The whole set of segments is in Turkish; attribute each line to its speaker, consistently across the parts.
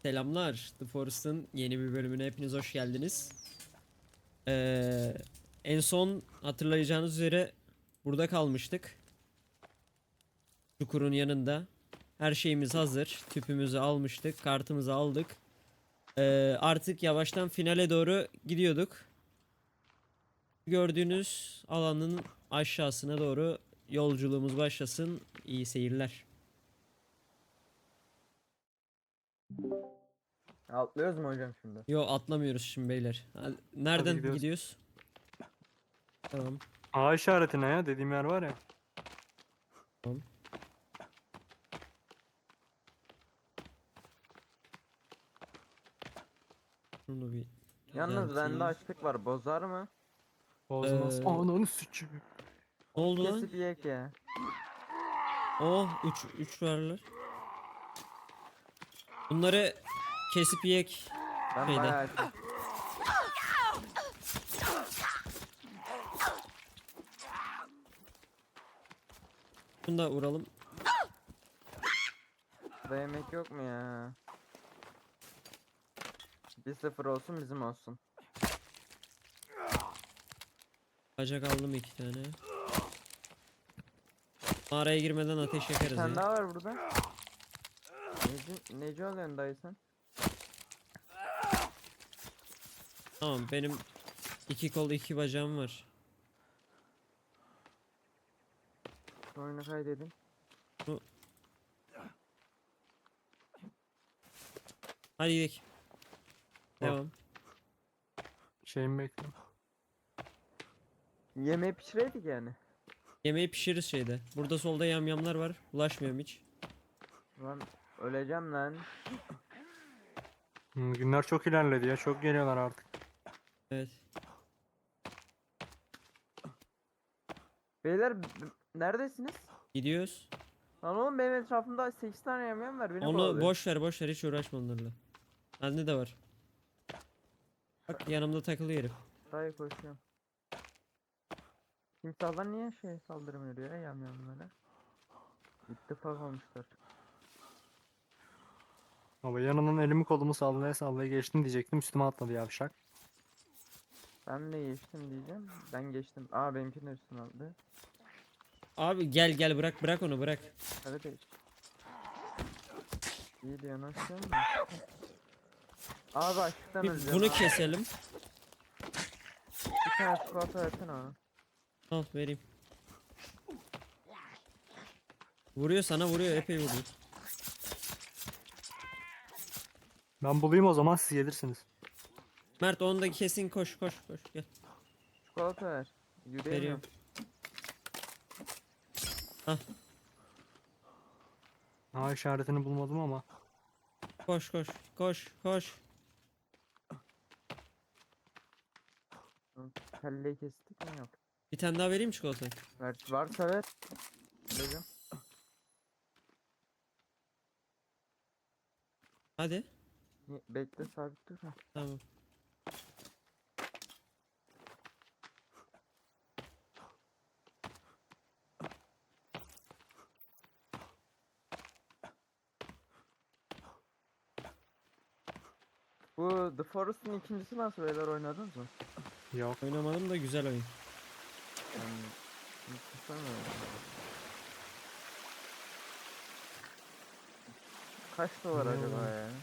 Speaker 1: Selamlar. The Forest'ın yeni bir bölümüne hepiniz hoş geldiniz. Ee, En son hatırlayacağınız üzere burada kalmıştık. Çukurun yanında. Her şeyimiz hazır. Tüpümüzü almıştık. Kartımızı aldık. Artık yavaştan finale doğru gidiyorduk. Gördüğünüz alanın aşağısına doğru yolculuğumuz başlasın. İyi seyirler.
Speaker 2: Atlıyoruz mu hocam şimdi?
Speaker 1: Yo, atlamıyoruz şimdi beyler.
Speaker 3: Hadi
Speaker 1: Nereden
Speaker 3: gidiyoruz.
Speaker 1: gidiyoruz? Tamam.
Speaker 3: A işaretine ya dediğim yer var ya.
Speaker 1: Tamam. Şunu bir
Speaker 2: Yalnız
Speaker 1: düzelteyim.
Speaker 2: bende açlık var. Bozar mı?
Speaker 3: Bozmaz. Ananı sıçıyor.
Speaker 1: Ne oldu lan?
Speaker 2: Kesip yiyek ya.
Speaker 1: Oh, 3 varlar. Bunları kesip yiyek.
Speaker 2: Ben
Speaker 1: Şeyde.
Speaker 2: bayağı açım.
Speaker 1: Bunu da vuralım.
Speaker 2: Burada yemek yok mu ya? 1-0 olsun bizim olsun.
Speaker 1: Bacak aldım 2 tane. Mağaraya girmeden ateş
Speaker 2: Bir
Speaker 1: yakarız
Speaker 2: tane
Speaker 1: ya.
Speaker 2: daha var burada. Neci alıyorsun dayı sen?
Speaker 1: Tamam, benim 2 kol 2 bacağım var.
Speaker 2: Şu oyunu kaydedin.
Speaker 1: Hadi gidelim. Devam.
Speaker 3: Şeyimi bekliyorum.
Speaker 2: Yemeği pişireydik yani.
Speaker 1: Yemeği pişiririz şeyde. Burada solda yamyamlar var. Bulaşmıyorum hiç.
Speaker 2: Lan öleceğim lan.
Speaker 3: Günler çok ilerledi ya. Çok geliyorlar artık.
Speaker 1: Evet.
Speaker 2: Beyler neredesiniz?
Speaker 1: Gidiyoruz.
Speaker 2: Lan oğlum benim etrafımda 8 tane yemeğim var. Beni
Speaker 1: Onu
Speaker 2: kovalıyor.
Speaker 1: boş ver hiç uğraşma onlarla. Bende de var. Bak, yanımda takılıyor herif.
Speaker 2: Dayı koşuyorum. Timsahlar niye saldırmıyor ya yamyamlara? İttifak olmuşlar.
Speaker 3: Ama yanından elimi kolumu sallaya sallaya geçtim diyecektim. Üstüme atladı yavşak.
Speaker 2: Ben de geçtim diyeceğim. Ben geçtim. Aa benimki de üstüne aldı.
Speaker 1: Abi gel bırak onu bırak.
Speaker 2: Hadi de İyi diyor nasıl mu? Abi açlıktan
Speaker 1: Bir
Speaker 2: öleceğim.
Speaker 1: bunu
Speaker 2: abi.
Speaker 1: keselim.
Speaker 2: Bir tane çikolata versene ona.
Speaker 1: Al vereyim. Vuruyor, sana vuruyor, epey vuruyor.
Speaker 3: Ben bulayım o zaman siz gelirsiniz.
Speaker 1: Mert, onu da kesin, koş gel.
Speaker 2: Çikolata ver. Yürüyemiyorum.
Speaker 1: Veriyorum. Hah,
Speaker 3: A işaretini bulmadım ama.
Speaker 1: koş.
Speaker 2: Kelleyi kestik mi yok.
Speaker 1: Bir tane daha vereyim çikolatayı.
Speaker 2: Ver, varsa ver. Vereceğim.
Speaker 1: Hadi.
Speaker 2: Bekle sabit dur. Ha.
Speaker 1: Tamam.
Speaker 2: Bu The Forest'ın ikincisi nasıl beyler oynadınız mı?
Speaker 3: Yok.
Speaker 1: Oynamadım da güzel oyun.
Speaker 2: Yani, tutamıyorum. Kaç dolar
Speaker 3: Ne
Speaker 2: acaba
Speaker 3: oğlum?
Speaker 2: ya?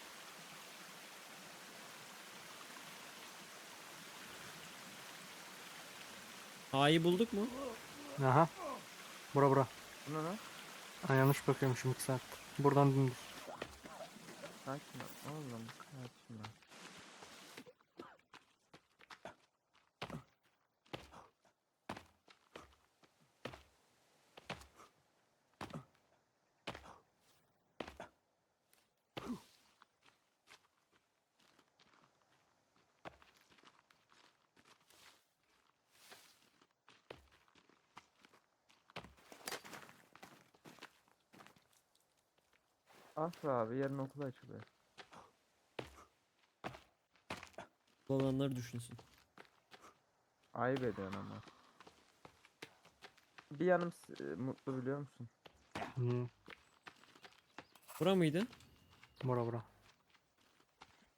Speaker 1: A'yı bulduk mu?
Speaker 3: Aha. Bura.
Speaker 2: Bu ne lan?
Speaker 3: Ha, yanlış bakıyormuşum 2 saat. Buradan dümdüz.
Speaker 2: Sakin ol. Oğlum sakin ol. Ah be abi yarın okul açılıyor.
Speaker 1: Olanlar düşünsün.
Speaker 2: Ayıp ediyorsun ama. Bir yanım mutlu biliyor musun?
Speaker 3: Hmm.
Speaker 1: Bura mıydı?
Speaker 3: Bura.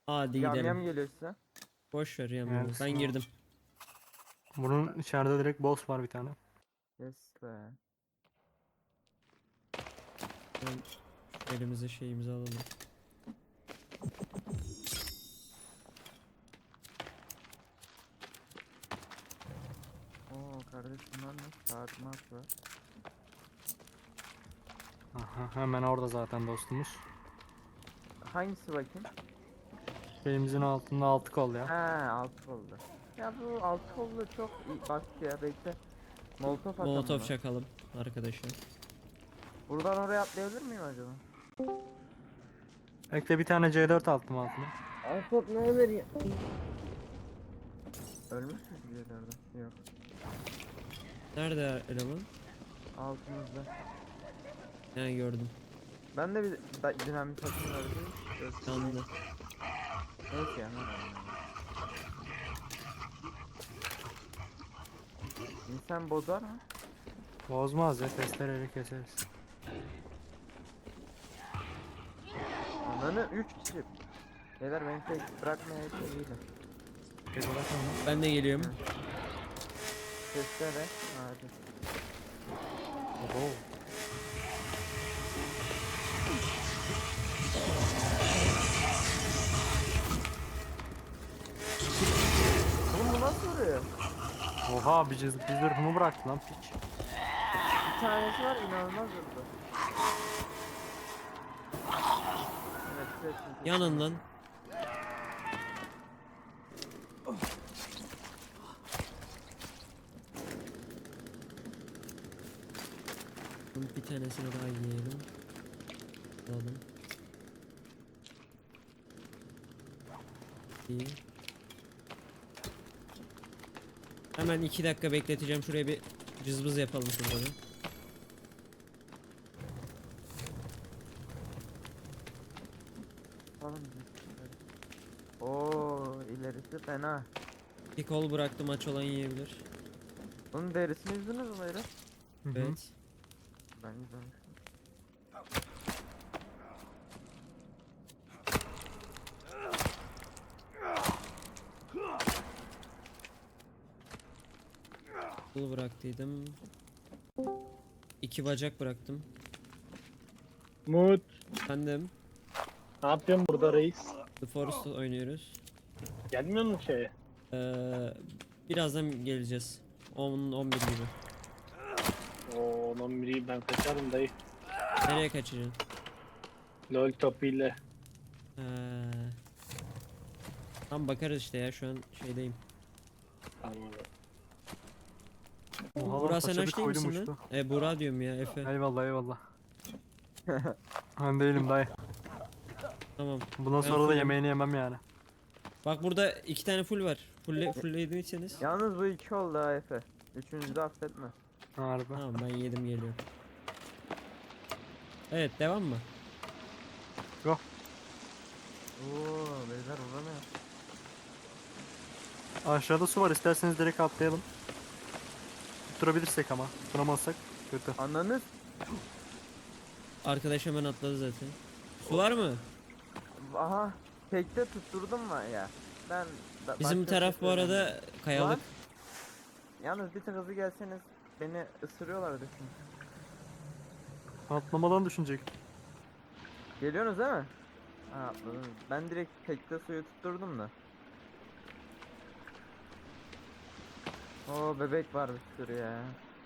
Speaker 1: Hadi
Speaker 2: Yam
Speaker 1: gidelim.
Speaker 2: yam geliyor size.
Speaker 1: Boş ver ya.
Speaker 3: Yani
Speaker 1: Ben girdim.
Speaker 3: Bunun içeride direkt boss var bir tane.
Speaker 2: Yes be.
Speaker 1: Ben şu elimize şeyimizi alalım.
Speaker 2: Oo kardeş bunlar ne? Saat mat var.
Speaker 3: Aha, hemen orada zaten dostumuz.
Speaker 2: Hangisi bakayım?
Speaker 3: Şeyimizin altında 6 kol ya.
Speaker 2: Ha altı oldu. Ya bu altı oldu çok iyi. Bak ya bekle. Molotov atalım
Speaker 1: Molotov
Speaker 2: buna.
Speaker 1: çakalım arkadaşlar.
Speaker 2: Buradan oraya atlayabilir miyim acaba?
Speaker 3: Ekle bir tane C4 attım altına.
Speaker 2: Alpop ne olur ya? Ölmüş mü bir yerlerde? Yok.
Speaker 1: Nerede eleman?
Speaker 2: Altımızda.
Speaker 1: Ha, gördüm.
Speaker 2: Ben de bir dinamit atayım öyle.
Speaker 1: Yandı.
Speaker 2: Neyse ya. İnsan bozar mı?
Speaker 3: Bozmaz ya, testereyle keseriz.
Speaker 2: Ananı 3 kişi. Beyler beni tek bırakmaya değilim.
Speaker 3: Peki bırakın lan.
Speaker 1: Ben de geliyorum.
Speaker 2: Testere. Hadi.
Speaker 3: Oho.
Speaker 2: Oğlum bu nasıl vuruyor?
Speaker 3: Oha, bir zırhımı bıraktı lan piç.
Speaker 2: Bir tanesi var inanılmaz vurdu. Evet, kesin.
Speaker 1: Yanından. Bunun bir tanesini daha yiyelim. Alalım. İyi. Hemen 2 dakika bekleteceğim. Şuraya bir cızbız yapalım şurada da.
Speaker 2: Falan Oo ilerisi fena.
Speaker 1: Bir kol bıraktım, aç olan yiyebilir.
Speaker 2: Onun derisini yüzdünüz mü beyler?
Speaker 3: Hı hı.
Speaker 1: Evet.
Speaker 2: Ben yüzmemiştim.
Speaker 1: Kol bıraktıydım. 2 bacak bıraktım.
Speaker 4: Umut,
Speaker 1: Bendim.
Speaker 4: ne yapıyorsun burada reis?
Speaker 1: The Forest oynuyoruz.
Speaker 4: Gelmiyor musun şeye?
Speaker 1: Birazdan geleceğiz. 10-11 gibi.
Speaker 4: Oo, lan biri ben kaçarım dayı.
Speaker 1: Nereye kaçacaksın?
Speaker 4: LOL topuyla.
Speaker 1: Ee, Tam bakarız işte ya, şu an şeydeyim.
Speaker 4: Tamam abi.
Speaker 3: Oha lan,
Speaker 1: Burak sen
Speaker 3: paşa bir
Speaker 1: aç değil
Speaker 3: koydum
Speaker 1: misin
Speaker 3: uçtu.
Speaker 1: lan? Burak diyorum ya, Efe.
Speaker 3: Eyvallah eyvallah. Ben değilim dayı.
Speaker 1: Tamam.
Speaker 3: Bundan
Speaker 1: Ben
Speaker 3: sonra da
Speaker 1: fullüm.
Speaker 3: yemeğini yemem yani.
Speaker 1: Bak burada 2 tane full var. Fulllediyseniz.
Speaker 2: Yalnız bu 2 oldu ha Efe. Üçüncüde affetme.
Speaker 3: Harbi.
Speaker 1: Tamam, ben yedim geliyorum. Evet, devam mı?
Speaker 3: Yok.
Speaker 2: Oo beyler vuramıyor.
Speaker 3: Aşağıda su var, isterseniz direkt atlayalım. Tutturabilirsek ama. Tutamazsak kötü.
Speaker 2: Ananı
Speaker 1: Arkadaş hemen atladı zaten. Su var mı?
Speaker 2: aha tekte tutturdum mu ya? Ben
Speaker 1: Bizim
Speaker 2: başka
Speaker 1: taraf
Speaker 2: bir
Speaker 1: bu
Speaker 2: şey
Speaker 1: arada
Speaker 2: söyleyeyim.
Speaker 1: kayalık.
Speaker 2: Lan, yalnız bir tık hızlı gelseniz beni ısırıyorlardı şimdi.
Speaker 3: Atlamadan düşünecek.
Speaker 2: Geliyorsunuz değil mi? Ha atladınız. Ben direkt tekte suyu tutturdum da. Oo bebek var bir sürü ya.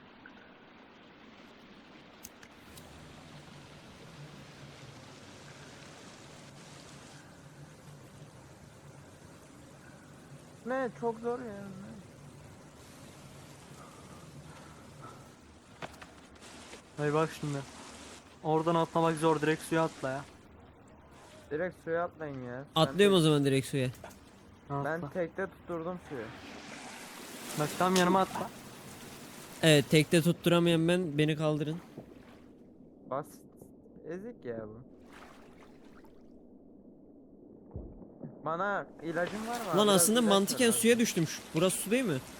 Speaker 2: Ne çok zor ya.
Speaker 3: Hey bak şimdi. Oradan atlamak zor, direkt suya atla ya.
Speaker 2: Direkt suya atlayın ya. Sen
Speaker 1: Atlıyorum o
Speaker 2: tek-
Speaker 1: zaman direkt suya.
Speaker 3: Atla.
Speaker 2: Ben tekte tutturdum suyu.
Speaker 3: Bak tam yanıma atla.
Speaker 1: Evet, tekte tutturamayan beni kaldırın.
Speaker 2: Basit. Ezik ya bu. Bana ilacın var mı?
Speaker 1: Lan
Speaker 2: Biraz
Speaker 1: aslında
Speaker 2: ilaç ver
Speaker 1: mantıken
Speaker 2: abi.
Speaker 1: suya düştüm. Burası su değil mi?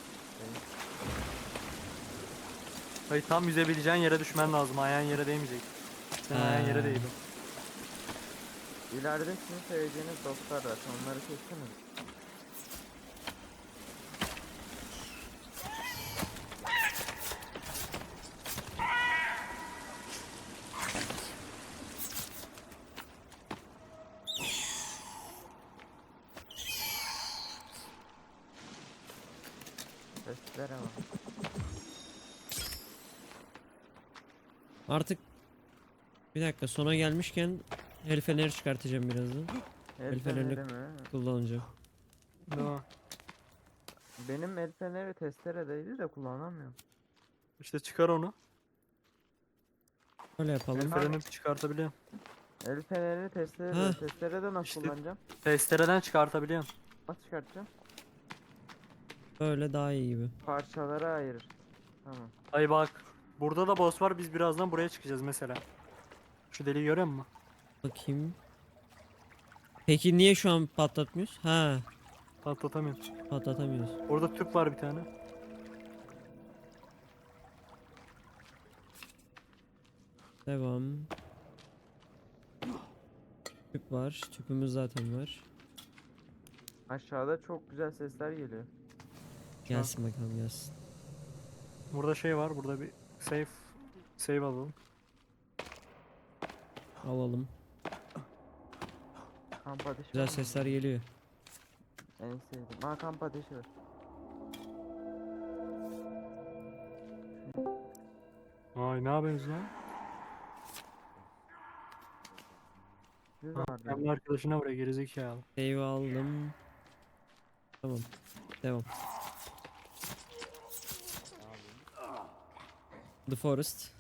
Speaker 3: Hayır, tam yüzebileceğin yere düşmen lazım. Ayağın yere değmeyecek. Sen ayağın yere
Speaker 1: Ha.
Speaker 3: değdi.
Speaker 2: İleride sizin seveceğiniz dostlar var. Onları kessene. Seslere bak.
Speaker 1: Artık bir dakika sona gelmişken el feneri çıkartacağım birazdan.
Speaker 2: El
Speaker 1: fenerini-
Speaker 2: feneri mi?
Speaker 1: Kullanacağım.
Speaker 3: Değil mi?
Speaker 2: Benim el feneri testeredeydi de kullanamıyorum.
Speaker 3: İşte çıkar onu.
Speaker 1: Öyle
Speaker 3: El
Speaker 1: yapalım.
Speaker 3: freni çıkartabiliyorum.
Speaker 2: El feneri
Speaker 1: Ha.
Speaker 2: testerede nasıl
Speaker 3: İşte-
Speaker 2: kullanacağım?
Speaker 3: Testereden çıkartabiliyorum.
Speaker 2: Nasıl çıkartacağım?
Speaker 1: Böyle daha iyi gibi.
Speaker 2: Parçalara ayırır. Tamam.
Speaker 3: Ay bak. Burada da boss var. Biz birazdan buraya çıkacağız mesela. Şu deliği görüyor musun?
Speaker 1: Bakayım. Peki niye şu an patlatmıyoruz? Ha,
Speaker 3: Patlatamıyorum.
Speaker 1: patlatamıyoruz.
Speaker 3: Orada tüp var bir tane.
Speaker 1: Devam. Tüp var. Tüpümüz zaten var.
Speaker 2: Aşağıda çok güzel sesler geliyor.
Speaker 1: Gelsin bakalım gelsin.
Speaker 3: Burada şey var. Burada bir save alalım.
Speaker 1: Alalım.
Speaker 2: Kamp ateşi
Speaker 1: Güzel
Speaker 2: var mı?
Speaker 1: sesler geliyor.
Speaker 2: En sevdiğim. Aa, kamp ateşi var.
Speaker 3: Ay ne yapıyorsunuz lan?
Speaker 2: Düz
Speaker 3: Ha,
Speaker 2: var.
Speaker 3: kendi arkadaşına buraya gerizekalı.
Speaker 1: Save aldım. Tamam. Devam. The Forest.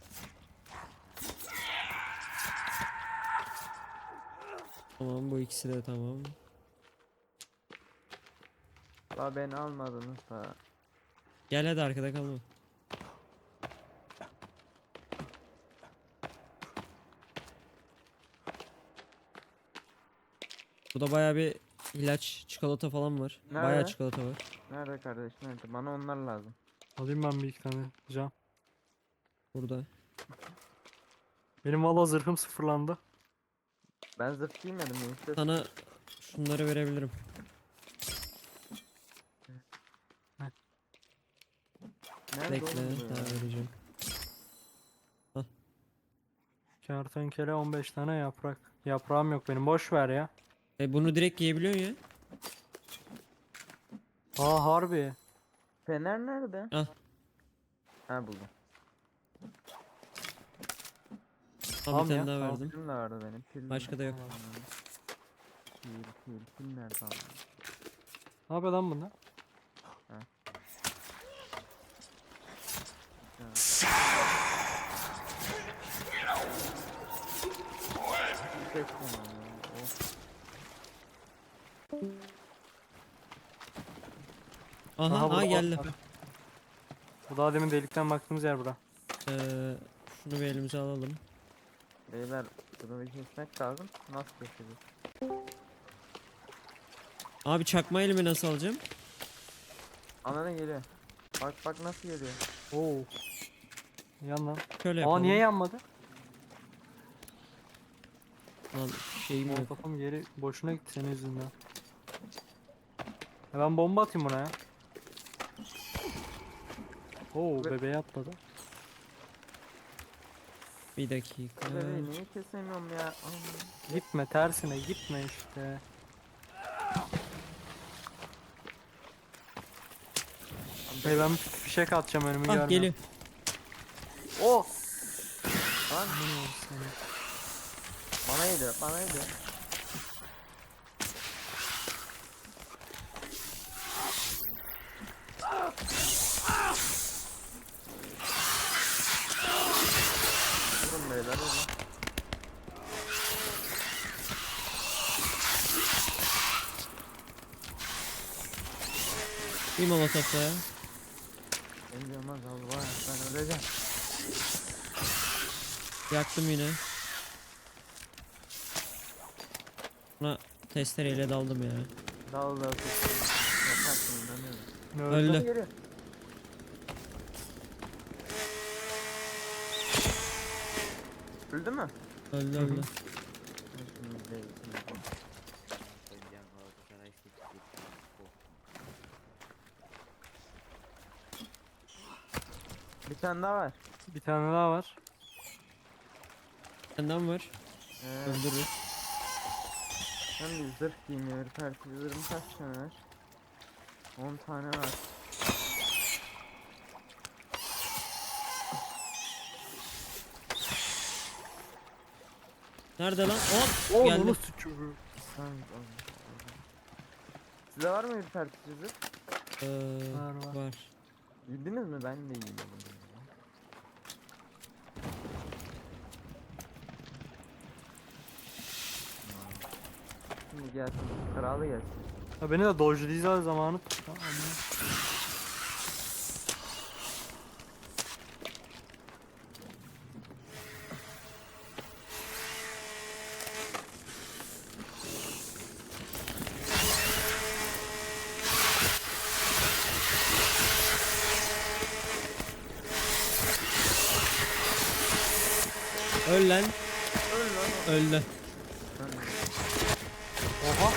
Speaker 1: Tamam bu ikisi de tamam.
Speaker 2: Daha beni almadınız da.
Speaker 1: Gel hadi arkada kalma. Burada baya bir ilaç, çikolata falan var. Baya
Speaker 2: Nerede?
Speaker 1: çikolata var.
Speaker 2: Nerede kardeş, nerede? Bana onlar lazım.
Speaker 3: Alayım ben bir iki tane cam.
Speaker 1: Burada.
Speaker 3: Benim valla zırhım sıfırlandı.
Speaker 2: Ben zırh giymedim. Neyse.
Speaker 1: Sana şunları verebilirim.
Speaker 2: Nerede
Speaker 1: Bekle,
Speaker 2: oğlum bu
Speaker 1: daha
Speaker 2: ya?
Speaker 1: vereceğim.
Speaker 3: Kertenkele 15 tane yaprak. Yaprağım yok benim. Boş ver ya.
Speaker 1: Bunu direkt yiyebiliyorsun ya.
Speaker 3: Aa harbi.
Speaker 2: Fener nerede?
Speaker 1: Al.
Speaker 2: Ha, buldum.
Speaker 1: Al
Speaker 3: Tamam
Speaker 1: bir tane
Speaker 3: ya,
Speaker 1: daha
Speaker 3: tamam.
Speaker 1: verdim.
Speaker 2: Pilim de vardı benim. Pil
Speaker 1: Başka da yok.
Speaker 2: Pil nerede abi?
Speaker 3: Ne yapıyor lan bunda?
Speaker 2: Ses tamam ya. Of.
Speaker 1: Aha,
Speaker 3: burada
Speaker 1: geldi.
Speaker 3: bak. Bu daha demin delikten baktığımız yer bura.
Speaker 1: Şunu bir elimize alalım.
Speaker 2: Beyler, bunu bir kesmek lazım. Nasıl keseceğiz?
Speaker 1: Abi çakma elimi nasıl alacağım?
Speaker 2: Anana geliyor. Bak bak nasıl geliyor.
Speaker 3: Oo. Yan lan.
Speaker 1: Şöyle
Speaker 3: Aa
Speaker 1: yapalım.
Speaker 3: niye yanmadı?
Speaker 1: Lan şeyim yok.
Speaker 3: Kafam geri boşuna gitti senin yüzünden. Ben bomba atayım buna ya. Oo bebeğe atladı.
Speaker 1: Bir dakika.
Speaker 2: Bebeği niye kesemiyorum ya? Aman.
Speaker 3: Gitme tersine gitme işte. Hey ben bir fişek atacağım önümü
Speaker 1: Ah
Speaker 3: görmüyorum.
Speaker 1: geliyor.
Speaker 3: Oh!
Speaker 2: Lan bana geliyor, bana geliyor. Durun beyler, durun.
Speaker 1: Bir molotof daha.
Speaker 2: Beni yılmaz Allah, ben öleceğim.
Speaker 1: Yaktım yine. Buna testereyle daldım ya.
Speaker 2: Dal dal kesin. Yaparsın, inanıyorum.
Speaker 3: Ne
Speaker 1: Öldü.
Speaker 2: Bana geliyor. Öldü mü?
Speaker 1: Öldü öldü.
Speaker 2: Şimdi değil, şimdi.
Speaker 5: Önce Galatasaray seçecek.
Speaker 2: Bir tane daha var.
Speaker 3: Bir tane daha var.
Speaker 1: Senden var. Öldürürüz.
Speaker 2: Ben bir zırh giymiyor. Ürpertici zırhım kaç tane var? 10 tane var.
Speaker 1: Nerede lan? Hop
Speaker 3: Oo
Speaker 1: geldi.
Speaker 3: bunu sıçıyor.
Speaker 2: Tamam, aldım. Size var mı ürpertici zırh?
Speaker 3: Var, var.
Speaker 1: Var.
Speaker 2: Bildiniz mi? Ben de iyiyim. Şimdi gelsin. Kralı gelsin.
Speaker 3: Ya beni de dodge'layacağız zamanı.
Speaker 1: Öl lan.
Speaker 2: Öl lan.
Speaker 1: Öldü.
Speaker 3: Oha.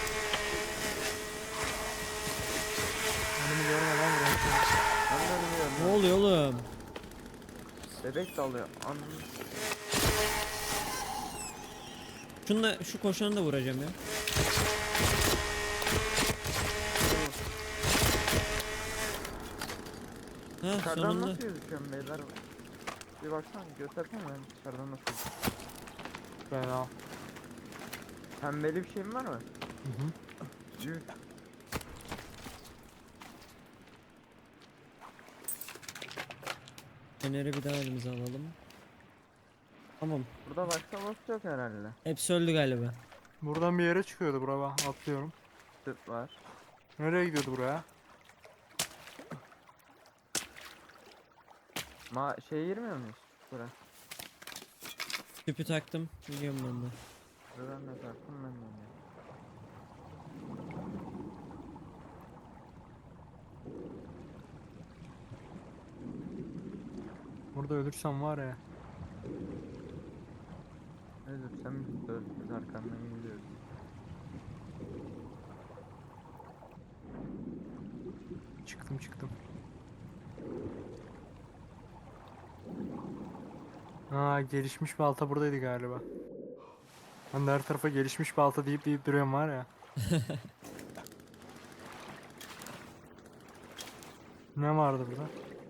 Speaker 3: Önümü görmeden vuruyorum.
Speaker 2: Ben de ölmüyorum.
Speaker 1: Ne oluyor oğlum?
Speaker 2: Bebek dalıyor. Anladım.
Speaker 1: Şunla şu koşanı da vuracağım ya. Ha
Speaker 2: Dışarıdan
Speaker 1: sonunda.
Speaker 2: nasıl gözüküyorum beyler? Bir baksana göstersene ben dışarıdan nasıl gözüküyorum.
Speaker 3: Fena.
Speaker 2: Pembeli bir şeyim var mı?
Speaker 3: Hı hı.
Speaker 2: Yuh.
Speaker 1: Feneri bir daha elimize alalım. Tamam.
Speaker 2: Burada başka boss yok herhalde.
Speaker 1: Hepsi öldü galiba.
Speaker 3: Buradan bir yere çıkıyordu bura bak. Atlıyorum.
Speaker 2: Tıp var.
Speaker 3: Nereye gidiyordu buraya?
Speaker 2: Şey girmiyor muyuz? Bura.
Speaker 1: Tüpü taktım. Biliyorum ben de.
Speaker 2: Buradan ne taktım ben de onu.
Speaker 3: Burada ölürsem var ya.
Speaker 2: Ölürsem biz arkandan gidiyoruz.
Speaker 3: Çıktım. Ha gelişmiş balta buradaydı galiba. Ben de her tarafa gelişmiş balta deyip duruyorum var ya. Ne vardı burada?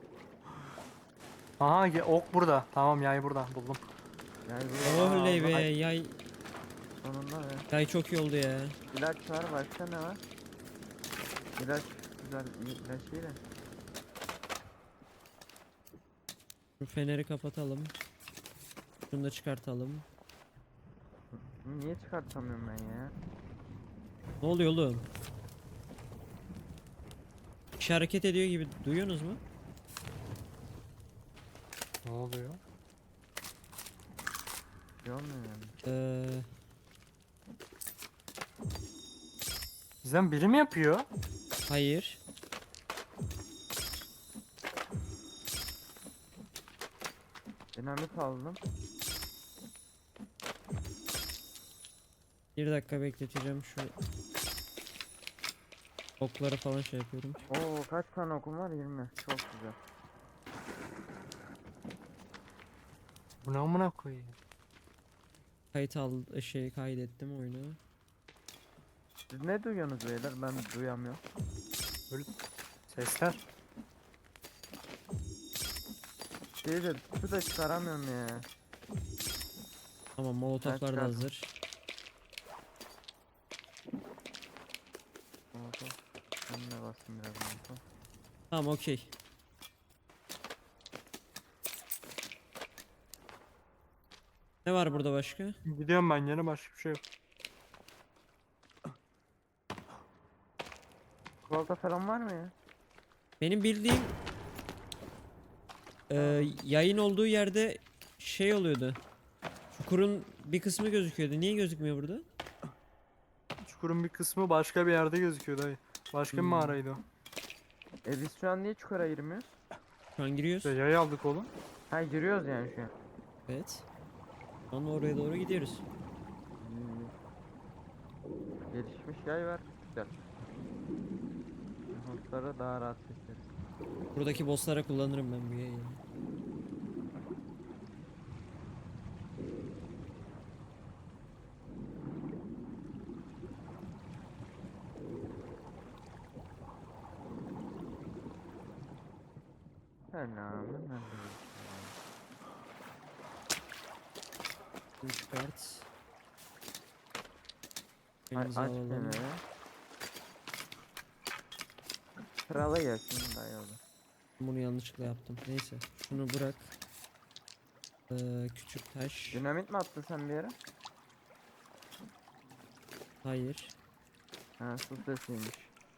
Speaker 3: Aha ok burada. Tamam yay burada buldum.
Speaker 2: Yani burada
Speaker 1: Oley be
Speaker 2: Ay,
Speaker 1: yay.
Speaker 2: sonunda be.
Speaker 1: Yay çok iyi oldu ya.
Speaker 2: İlaç var, başka ne var? İlaç güzel, ilaç iyi de.
Speaker 1: Şu feneri kapatalım. Şunu da çıkartalım.
Speaker 2: Niye çıkartamıyorum ben ya?
Speaker 1: Ne oluyor oğlum? Bir şey hareket ediyor gibi duyuyorsunuz mu?
Speaker 3: Ne oluyor?
Speaker 2: Şey olmuyor yani.
Speaker 3: Bizden biri mi yapıyor?
Speaker 1: Hayır.
Speaker 2: Dinamit aldım.
Speaker 1: Bir dakika bekleteceğim şu okları falan şey yapıyorum.
Speaker 2: Oo kaç tane okum var? 20. Çok güzel.
Speaker 3: Bu ne amına koyayım?
Speaker 1: Kaydettim oyunu.
Speaker 2: Siz ne duyuyorsunuz beyler? Ben duyamıyorum.
Speaker 3: Sesler.
Speaker 2: Şey de su da çıkaramıyorum ya.
Speaker 1: Tamam molotoflar da
Speaker 2: çıkardım.
Speaker 1: hazır.
Speaker 2: Oldu. Ben de bastım biraz oldu.
Speaker 1: Tamam okey. Ne var burada başka?
Speaker 3: Gidiyorum ben yine başka bir şey yok.
Speaker 2: Çikolata falan var mı ya?
Speaker 1: Benim bildiğim yayın olduğu yerde şey oluyordu. Çukurun bir kısmı gözüküyordu. Niye gözükmüyor burada?
Speaker 3: Çukurun bir kısmı başka bir yerde gözüküyor dayı. Başka bir
Speaker 1: Hmm.
Speaker 3: mağaraydı o.
Speaker 2: Biz şu an niye çukura girmiyoruz?
Speaker 1: Şu an giriyoruz.
Speaker 3: İşte yay aldık oğlum.
Speaker 2: Ha giriyoruz yani şu an.
Speaker 1: Evet. Şu an oraya doğru gidiyoruz.
Speaker 2: Gelişmiş yay var. Güzel. Bossları daha rahat keseriz.
Speaker 1: Buradaki bosslara kullanırım ben bu yayını.
Speaker 2: Selamun aleyküm.
Speaker 1: 3 kart.
Speaker 2: Ay,
Speaker 1: Elimize
Speaker 2: aç
Speaker 1: alalım.
Speaker 2: kenara. Krala gelsin daha iyi olur.
Speaker 1: Bunu yanlışlıkla yaptım. Neyse. Şunu bırak. Küçük taş.
Speaker 2: Dinamit mi attın sen bir yere?
Speaker 1: Hayır.
Speaker 2: Ha, su sesiymiş.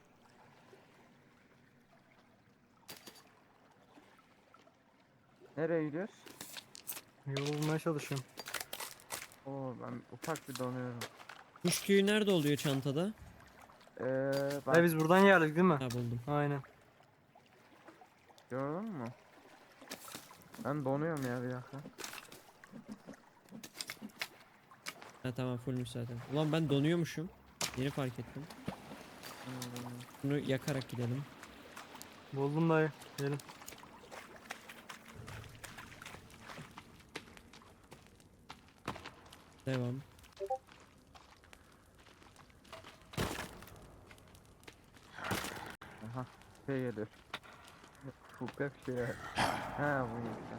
Speaker 2: Nereye gidiyoruz?
Speaker 3: Yol bulmaya çalışıyorum.
Speaker 2: Oo, ben ufak bir donuyorum.
Speaker 1: Kuş tüyü nerede oluyor çantada?
Speaker 2: Bak,
Speaker 3: Ya biz buradan geldik değil mi?
Speaker 1: Ha buldum.
Speaker 3: Aynen.
Speaker 2: gördün mü? Ben donuyorum ya bir dakika.
Speaker 1: Ha tamam fullmüş zaten. Ulan ben donuyormuşum. Yeni fark ettim. Bunu yakarak gidelim.
Speaker 3: Buldum dayı. Gelin.
Speaker 1: Devam.
Speaker 2: Aha, şey geliyor. Fukak şey. Ha, bu işte.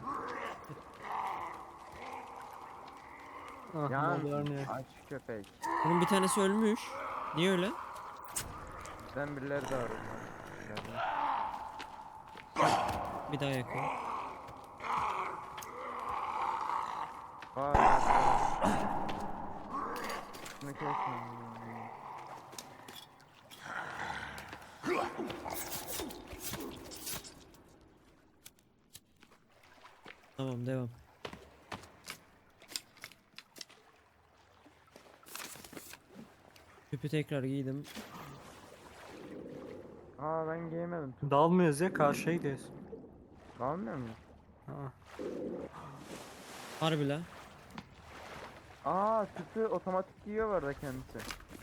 Speaker 3: Ah,
Speaker 2: Yan,
Speaker 3: mallar ne?
Speaker 2: aç köpek.
Speaker 1: Bunun bir tanesi ölmüş. Niye öyle?
Speaker 2: Bizden birileri de var. Onlar.
Speaker 1: Bir daha yakın.
Speaker 2: Aa, şunu kesme.
Speaker 1: Tamam devam. Küpü tekrar giydim.
Speaker 2: Aa, ben giyemedim.
Speaker 3: Dalmıyoruz ya, karşıya gidiyoruz.
Speaker 2: Almıyor muyum?
Speaker 3: Ha.
Speaker 1: Harbi la.
Speaker 2: Aa, tüpü otomatik giyiyor bu arada kendisi.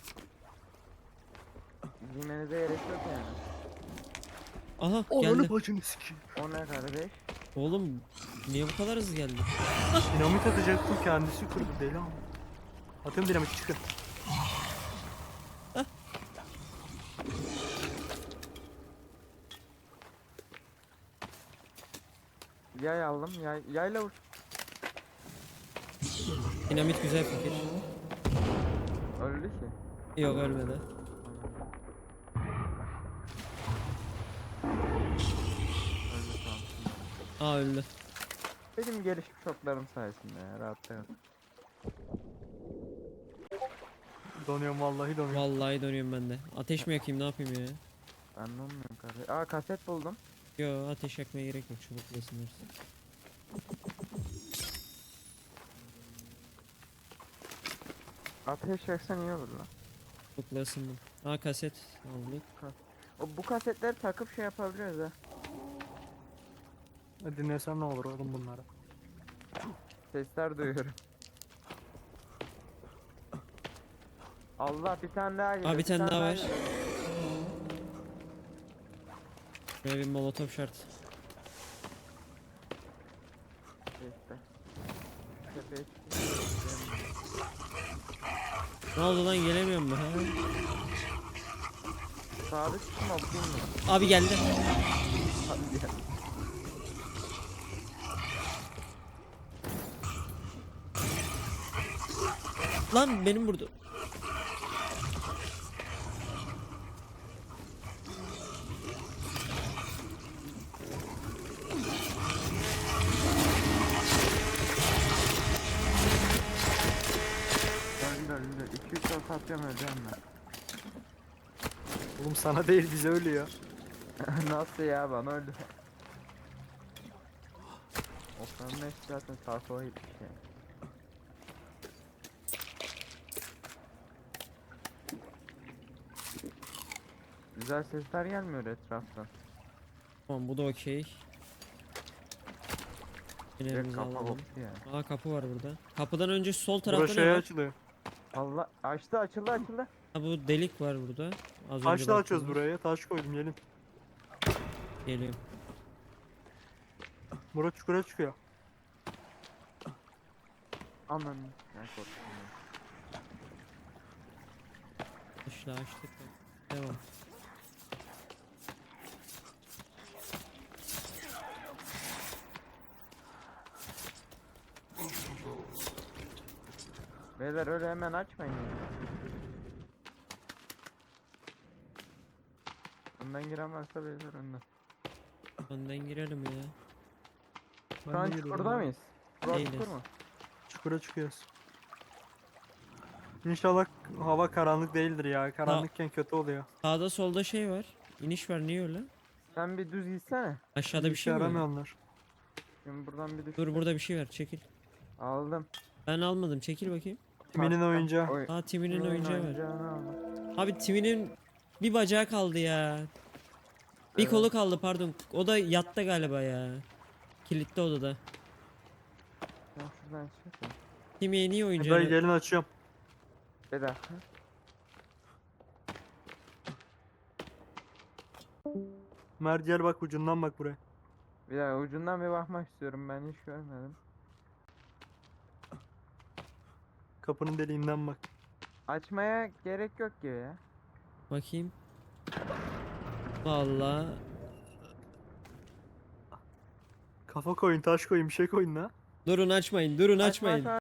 Speaker 2: Giymenize gerek yok yani.
Speaker 1: Aha geldi.
Speaker 3: bacını sikeyim.
Speaker 2: O ne kardeş?
Speaker 1: Oğlum niye bu kadar hızlı geldi?
Speaker 3: Dinamit atacaktım, kendisi kırdı deli ama. Atıyorum dinamit, çıkın.
Speaker 2: Yay aldım. Yayla vur.
Speaker 1: Dinamit güzel fikir.
Speaker 2: Öldü ki.
Speaker 1: Yok ölmedi.
Speaker 2: Öldü, tamam.
Speaker 1: Aa öldü.
Speaker 2: Benim gelişmiş oklarım sayesinde ya, rahatta kal.
Speaker 3: Donuyorum, vallahi donuyorum.
Speaker 1: Vallahi dönüyorum ben de. Ateş mi yakayım ne yapayım ya?
Speaker 2: Ben de olmuyorum kardeş. Aa, kaset buldum.
Speaker 1: Yo ateş yakmaya gerek yok çubuk ısınırız.
Speaker 2: Ateş yaksan iyi olur lan.
Speaker 1: Çubukla ısındım. Aa kaset aldık.
Speaker 2: Bu kasetleri takıp şey yapabiliyoruz ha.
Speaker 3: Dinlesem ne olur oğlum bunları.
Speaker 2: Sesler duyuyorum. Allah, bir tane daha geliyor.
Speaker 1: Aa bir tane daha var.
Speaker 2: geliyor.
Speaker 1: Şöyle bir molotof şart.
Speaker 2: İşte. Tepeye çıkıyor.
Speaker 1: Ne oldu lan gelemiyorum mu? Ha?
Speaker 2: Sabit tutun, okuyayım mı?
Speaker 1: Abi geldi.
Speaker 2: Hadi gel.
Speaker 1: Lan benim vurdu.
Speaker 2: Öldü. 2-3 ok atıyorum, öleceğim ben.
Speaker 3: Oğlum sana değil, bize ölüyor.
Speaker 2: Nasıl ya, bana öldü. Okların hepsi zaten sağa sola gitmiş yani. Güzel sesler gelmiyor etraftan.
Speaker 1: Tamam bu da okey.
Speaker 2: Direkt
Speaker 1: Fenerimizi
Speaker 2: kafa
Speaker 1: alalım.
Speaker 2: koptu ya.
Speaker 1: Aa kapı var burada. Kapıdan önce sol
Speaker 3: Burası
Speaker 1: tarafta ne
Speaker 3: şey
Speaker 1: var?
Speaker 3: açılıyor.
Speaker 2: Allah açtı, açıldı.
Speaker 1: Ha, bu delik var burada. Az önce
Speaker 3: Taşla açıyoruz
Speaker 1: baktığımız.
Speaker 3: buraya. Taş koydum gelin.
Speaker 1: Geliyorum.
Speaker 3: Bura çukura çıkıyor.
Speaker 2: Aman. Ne korktum ya.
Speaker 1: Taşla açtık. Devam.
Speaker 2: Beyler öyle hemen açmayın ya. Önden giren varsa beyler önden.
Speaker 1: Önden girelim ya.
Speaker 3: Ben
Speaker 2: Şu an
Speaker 3: de
Speaker 2: çukurda
Speaker 3: geliyorum.
Speaker 2: mıyız? Burası
Speaker 1: Değiliz.
Speaker 2: çukur mu?
Speaker 3: Çukura çıkıyoruz. İnşallah hava karanlık değildir ya. Karanlıkken kötü oluyor.
Speaker 1: Sağda solda şey var. İniş var, niye öyle?
Speaker 2: Sen bir düz gitsene.
Speaker 1: Aşağıda bir
Speaker 3: İşe
Speaker 1: şey mi var?
Speaker 3: yaramıyorlar.
Speaker 2: Şimdi buradan bir düş.
Speaker 1: Dur, burada bir şey var, çekil.
Speaker 2: Aldım.
Speaker 1: Ben almadım, çekil bakayım.
Speaker 3: Timinin
Speaker 2: Bastım.
Speaker 3: oyuncağı.
Speaker 2: Oy.
Speaker 1: Aa, Timin'in
Speaker 2: Kimin
Speaker 1: oyuncağı var.
Speaker 2: oyuncağını aldım.
Speaker 1: Abi Timin'in bir bacağı kaldı ya. Bir
Speaker 2: Evet.
Speaker 1: kolu kaldı, pardon. O da yatta galiba ya. Kilitli odada.
Speaker 2: Ben şuradan çıkayım.
Speaker 1: Timi'ye niye
Speaker 3: Burayı
Speaker 1: oyuncağını...
Speaker 3: gelin açıyorum.
Speaker 2: Bir dakika.
Speaker 3: Mert gel bak ucundan bak buraya.
Speaker 2: Bir dakika ucundan bir bakmak istiyorum, ben hiç görmedim.
Speaker 3: Kapının deliğinden bak.
Speaker 2: Açmaya gerek yok gibi ya.
Speaker 1: Bakayım. Vallahi
Speaker 3: Kafa koyun, taş koyun, bir şey koyun la.
Speaker 1: durun, açmayın, durun,
Speaker 2: Açma,
Speaker 1: açmayın.
Speaker 2: açma.